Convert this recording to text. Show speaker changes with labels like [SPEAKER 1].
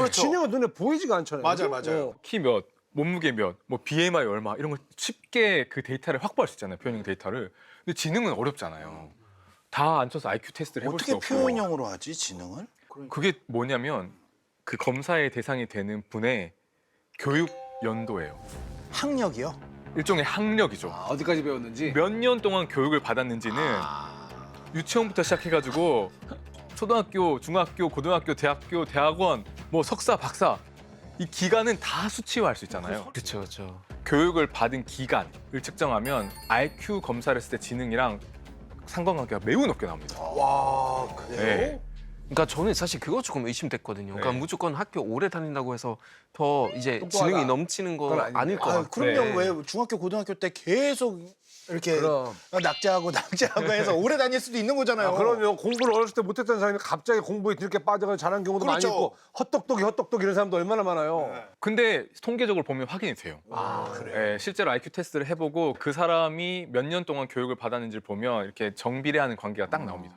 [SPEAKER 1] 그렇죠.
[SPEAKER 2] 지능은 눈에 보이지가 않잖아요.
[SPEAKER 1] 맞아요, 맞아요.
[SPEAKER 3] 키 몇, 몸무게 몇, 뭐 BMI 얼마 이런 걸 쉽게 그 데이터를 확보할 수 있잖아요. 표현형 데이터를. 근데 지능은 어렵잖아요. 다 앉혀서 IQ 테스트를 해볼 수
[SPEAKER 1] 어떻게
[SPEAKER 3] 없고.
[SPEAKER 1] 표현형으로 하지 지능을?
[SPEAKER 3] 그게 뭐냐면 그 검사의 대상이 되는 분의 교육 연도예요.
[SPEAKER 1] 학력이요?
[SPEAKER 3] 일종의 학력이죠.
[SPEAKER 2] 어디까지 배웠는지.
[SPEAKER 3] 몇 년 동안 교육을 받았는지는 유치원부터 시작해가지고 초등학교, 중학교, 고등학교, 대학교, 대학원, 뭐 석사, 박사 이 기간은 다 수치화할 수 있잖아요.
[SPEAKER 4] 그렇죠, 그렇죠.
[SPEAKER 3] 교육을 받은 기간을 측정하면 IQ 검사를 했을 때 지능이랑 상관관계가 매우 높게 나옵니다.
[SPEAKER 1] 와 그래요?
[SPEAKER 3] 네.
[SPEAKER 4] 그러니까 저는 사실 그거 조금 의심됐거든요. 그러니까
[SPEAKER 3] 네.
[SPEAKER 4] 무조건 학교 오래 다닌다고 해서 더 이제
[SPEAKER 2] 똑똑하다.
[SPEAKER 4] 지능이 넘치는 건
[SPEAKER 2] 그건 아닌데.
[SPEAKER 4] 아닐 것
[SPEAKER 1] 아,
[SPEAKER 4] 같아요.
[SPEAKER 1] 그럼요.
[SPEAKER 4] 네.
[SPEAKER 1] 왜 중학교 고등학교 때 계속 이렇게
[SPEAKER 2] 그럼.
[SPEAKER 1] 낙제하고 낙제하고 해서 오래 다닐 수도 있는 거잖아요.
[SPEAKER 2] 그러면 공부를 어렸을 때 못했던 사람이 갑자기 공부에 이렇게 빠져서 잘하는 경우도
[SPEAKER 1] 그렇죠.
[SPEAKER 2] 많이 있고 헛똑똑이 이런 사람도 얼마나 많아요.
[SPEAKER 3] 근데 통계적으로 보면 확인이 돼요.
[SPEAKER 1] 그래요?
[SPEAKER 3] 실제로 IQ 테스트를 해보고 그 사람이 몇 년 동안 교육을 받았는지를 보면 이렇게 정비례하는 관계가 딱 나옵니다.